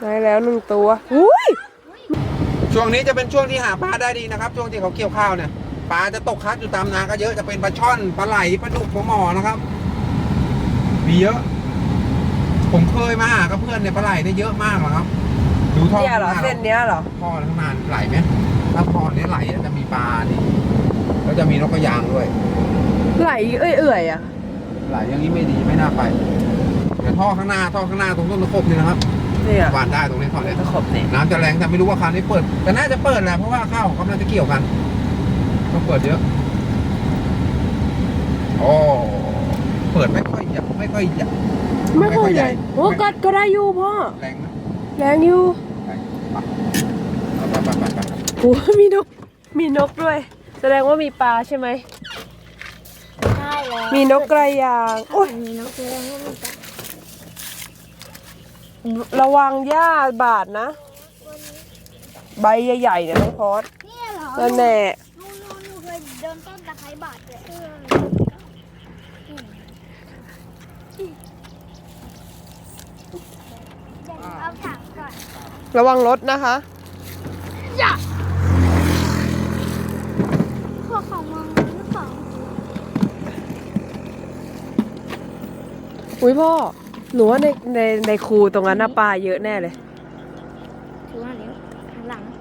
ได้แล้ว1 ตัวอุ้ยช่วงนี้จะเป็นช่วงที่หาปลาได้ดีนะครับช่วงที่เขาเกี่ยวข้าวเนี่ยปลาจะตกคัดอยู่ตามนาก็เยอะจะเป็นปลาช่อนปลาไหลปลาดุกปลาหมอนะครับมีเยอะผมเคยมาหากับเพื่อนเนี่ยปลาไหลได้เยอะมากนะครับดูท่อเนี่ยเหรอเส้นเนี้ยเหรอท่อข้างหน้าไหลไหมถ้าท่อนี้ไหลจะมีปลาดิแล้วจะมีนกกระยางด้วยไหลเอื่อยๆอ่ะไหลอย่างนี้ไม่ดีไม่น่าไปแต่ท่อข้างหน้าตรงต้นตะขบนี่นะครับเนี่ยหวานได้ตรงนี้ท่อนี้ตะขบเนี่ยน้ำจะแรงแต่ไม่รู้ว่าคันนี้เปิดแต่น่าจะเปิดแหละเพราะว่าข้าวกำลังจะเกี่ยวกันต้องเปิดเยอะโอ้เปิดไม่ค่อยใหญ่ไม่ค่อยใหญ่โอ้ก็ได้อยู่พ่อแรงนะแรงอยู่ไปโอ้มีนกด้วย แสดงว่ามีปลาใช่ไหมใช่แล้วมีนกกระยางโอ้ยมีนกกระยางก็มีปลาระวังหญ้าบาดนะ ใบใหญ่ๆเนี่ยน้องพอดเนี่ยเหรอนั่นแน่หนูเคยเดินต้นตะไคร้บาดเลยเอาถังก่อนระวังรถนะคะอย่าพวกของมึงหรือเปล่าอุ้ยพ่อหนูว่าในคูตรงนั้นน่ะปลาเยอะแน่เลยถือว่าเดี๋ยวหันหลัง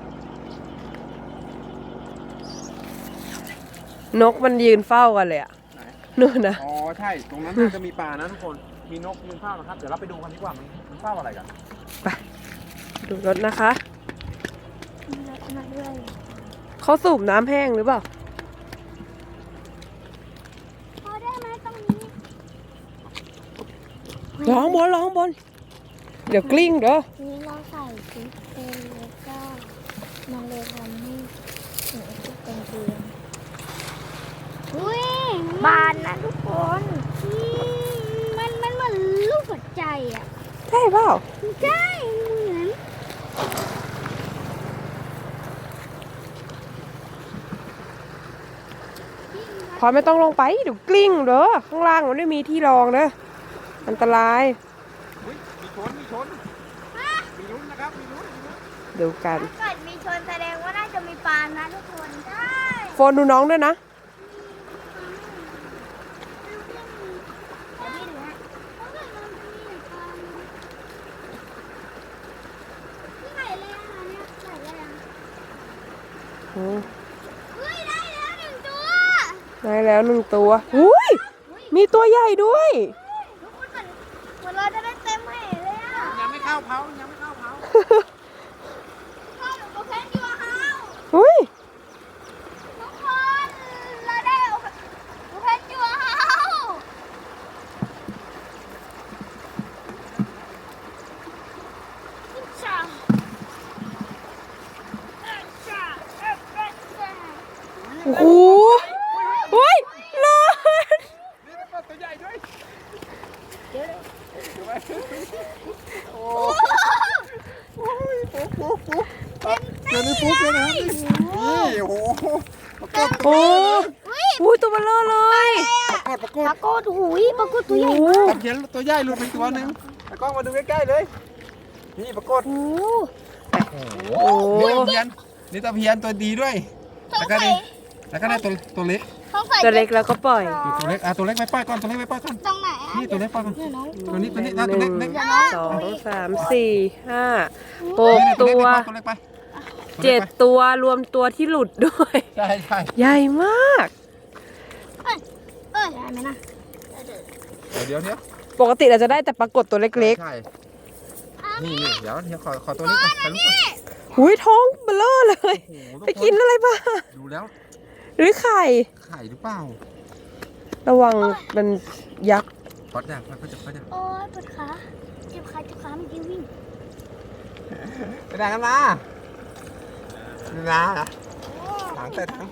นกมันยืนเฝ้ากันเลยอะนู่นนะอ๋อใช่ตรงนั้นน่าจะมีปลานะทุกคนมีนกยืนเฝ้านะครับเดี๋ยวเราไปดูกันดีกว่ามันเฝ้าอะไรกันไปดูรถนะคะนักด้วยเขาสูบน้ำแห้งหรือเปล่าพอได้ไหมตรงนี้ร้องบนเดี๋ยวกลิ้งเด้อนี่เราใส่ชุดเป็นแล้วก็มันเลยทำให้หนูชุดเป็นเตียงอุ้ยบานนะทุกคนมันเหมือนลูกหัวใจอ่ะใช่เปล่าใช่เหมือนพอไม่ต้องลงไปเดี๋ยวกลิ้งเด้อข้างล่างมันไม่มีที่รองเด้ออันตรายอุ๊ยมีชนมีลุ้นนะครับมีลุ้นดูกันถ้าเกิดมีชนแสดงว่าน่าจะมีปลานะทุกคนใช่โฟนดูน้องด้วยนะเดี๋ยวพี่ดูฮะถ้าเกิดมันจะมีปลาที่ไหนเลยอ่ะเนี่ยไหนเลยอ่ะอืมเฮ้ยได้แล้ว1 ตัวได้แล้ว1 ตัวอุ้ยมีตัวใหญ่ด้วยทุกคนเหมือนเราจะได้เต็มแห่เลยอ่ะยังไม่เข้าเผาพ่อหนูก็เพชรอยู่อะเฮาอุ้ยทุกคนเราได้หนูเพชรอยู่อะเฮาจ้าจ้าโอ้โหอุ้ยนอนนี่เป็นตัวใหญ่ด้วยเดี๋ยวนี้ฟุ๊กเลยนะครับนี่โอ้โหปรากฏโอ้อุ้ยตัวเบลอเลยปรากฏหูยปรากฏตัวใหญ่มากตะเพียนตัวใหญ่หลุดไปตัวหนึ่งแต่กล้องมาดูใกล้ๆเลยนี่ปรากฏโอ้โอ้นี่ตะเพียนตัวดีด้วยแล้วก็ได้ตัวเล็กต้องใส่ตัวเล็กแล้วก็ปล่อยตัวเล็กตัวเล็กไปปล่อยก่อนตัวเล็กไปปล่อยก่อนตรงไหนอ่ะนี่ตัวเล็กปล่อยก่อนเนี่ยน้องตัวนี้ตัว 1 เล็ก 2 3 4 5 6 นี่ตัวตัวเล็กไป 7 ตัวรวมตัวที่หลุดด้วยใช่ใช่ใหญ่มากได้ไหมนะเดี๋ยวปกติเราจะได้แต่ปรากฏตัวเล็กใช่นี่เดี๋ยวขอตัวนี้ก่อนถ่ายรูปก่อนๆหุยท้องเบลอเลยโอ้โหไปกินอะไรมาดูแล้วหรือไข่ไข่หรือเปล่าระวังมันยักษ์พอดอย่างพอดอย่างโอ้ยปวดขาเจ็บขาเมื่อกี้วิ่งไปไหนกันมาถังใส่ถัง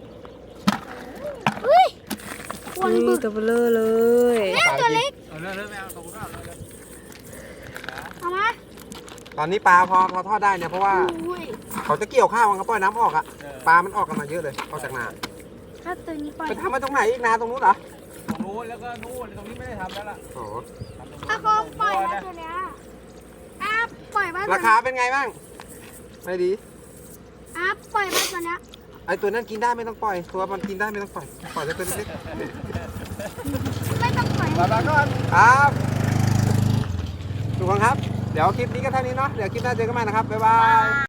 เฮ้ยวนนี่บึกตัวเบลอเลยตัวเล็กเริ่มไม่เอาตรงนู้นเอามาตอนนี้ปลาพอทอดได้เนี่ยเพราะว่าอุ้ยเขาจะเกี่ยวข้าวเขาปล่อยน้ำออกอะปลามันออกกันมาเยอะเลยออกจากนาถ้าตัวนี้ปล่อยไปทำมาตรงไหนอีกนาตรงนู้นเหรอตรงนู้นแล้วก็นู่นตรงนี้ไม่ได้ทำแล้วล่ะอ๋อถ้าเขาปล่อยแล้วตัวเนี้ยปล่อยล่อยบ้านราคาเป็นไงบ้างไม่ดีอัพปล่อยบ้านตัวเนี้ยไอตัวนั้นกินได้ไม่ต้องปล่อย ตัวมันกินได้ไม่ต้องปล่อยปล่อยแต่ตัวเล็กไม่ต้องปล่อยๆลาก่อนครับทุกคนครับเดี๋ยวคลิปนี้ก็เท่านี้เนาะเดี๋ยวคลิปหน้าเจอกันใหม่นะครับบ๊ายบาย